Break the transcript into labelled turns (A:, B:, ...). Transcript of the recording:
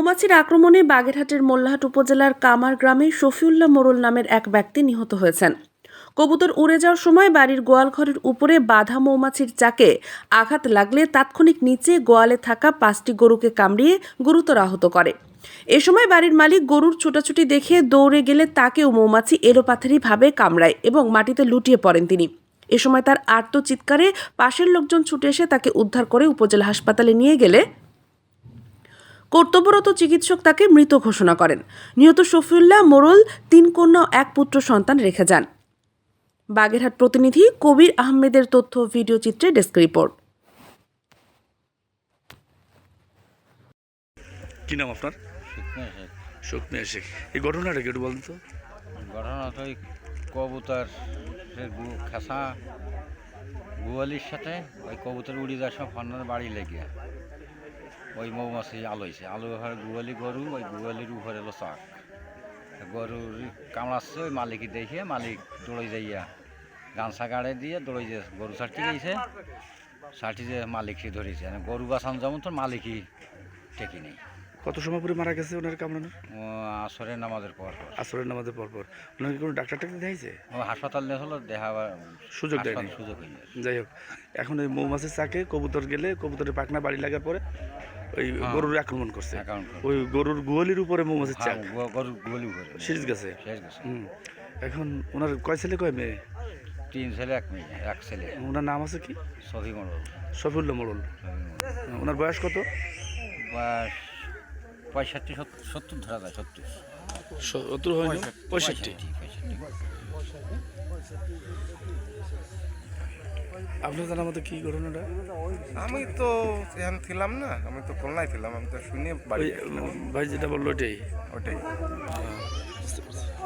A: মৌমাছির আক্রমণে বাগেরহাটের মোল্লাহাট উপজেলার কামার গ্রামে শফিউল্লাহ মোড়ল নামের এক ব্যক্তি নিহত হয়েছেন। কবুতর উড়ে যাওয়ার সময় বাড়ির গোয়ালঘরের উপরে বাঁধা মৌমাছির চাকে আঘাত লাগলে তাৎক্ষণিক নিচে গোয়ালে থাকা 5টি গরুকে কামড়িয়ে গুরুতর আহত করে। এ সময় বাড়ির মালিক গরুর ছোটাছুটি দেখে দৌড়ে গেলে তাকেও মৌমাছি এলোপাথারিভাবে কামড়ায় এবং মাটিতে লুটিয়ে পড়েন তিনি। এ সময় তার আর্ত চিৎকারে পাশের লোকজন ছুটে এসে তাকে উদ্ধার করে উপজেলা হাসপাতালে নিয়ে গেলে কর্তব্যরত চিকিৎসক তাকে মৃত ঘোষণা করেন। নিহত শফিউল্লাহ মোড়ল 3 কন্যা ও 1 পুত্র সন্তান রেখে যান। বাগেরহাট প্রতিনিধি কবির আহমেদের তথ্য ভিডিও চিত্রে ডেস্ক রিপোর্ট।
B: কি নাম আপনার? শুকনা শেখ। এই ঘটনাটা কি একটু বলুন তো।
C: ঘটনাটা ওই কবুতর খাসা গোয়ালির সাথে ওই কবুতর উড়ে যাওয়ার সময় ফন্নার বাড়ি লেগে ওই মৌমাছি আলোইছে, আলো হওয়ার গোয়ালি গরু, ওই গোয়ালির উপরে এলো চাক, গরুর কামড়াচ্ছে, ওই মালিকই দেখে মালিক দৌড়ে যাইয়া গামছা গাড়ে দিয়ে দৌড়ে যে গরু ছাড়তে গেছে, ছাড়টি যে মালিকই ধরেছে, গরু বাঁচানো যেমন তোর মালিকই টেকি নেই।
B: কত সময় পরে মারা গেছে ওনার কামড়ানো?
C: আসরের নামাজের পর
B: আসরের নামাজের পর ওনাকে কোনো ডাক্তার দেখাইছে?
C: ও হাসপাতাল নিয়ে হলো দেখা
B: সুযোগ দেয়নি।
C: সুযোগ হয়নি।
B: যাই হোক, এখন ওই মৌমাছির চাকে কবুতর গেলে কবুতরের পাখনা বাড়ি লাগার পরে ওই গরুর আক্রমণ করছে। ওই গরুর গোয়ালির উপরে মৌমাছির চাক,
C: গরুর গোয়ালি উপরে
B: সিরিজ গেছে। এখন ওনার কয় ছেলে কয় মেয়ে?
C: 3 ছেলে 1 মেয়ে, 1 ছেলে।
B: ওনার নাম আছে কি?
C: শফি মোড়ল।
B: শফিউল্লাহ মোড়ল। ওনার বয়স কত?
C: বয়স 65-70 ধরা যায়।
B: 70 হয় না, 65। আপনার জানার মতো কি ঘটনাটা?
D: আমি তো এখানে ছিলাম না, আমি তো খুলনায় ছিলাম, আমি তো শুনে বাড়ি
B: ভাই যেটা বললো ওটাই।
D: ওটাই।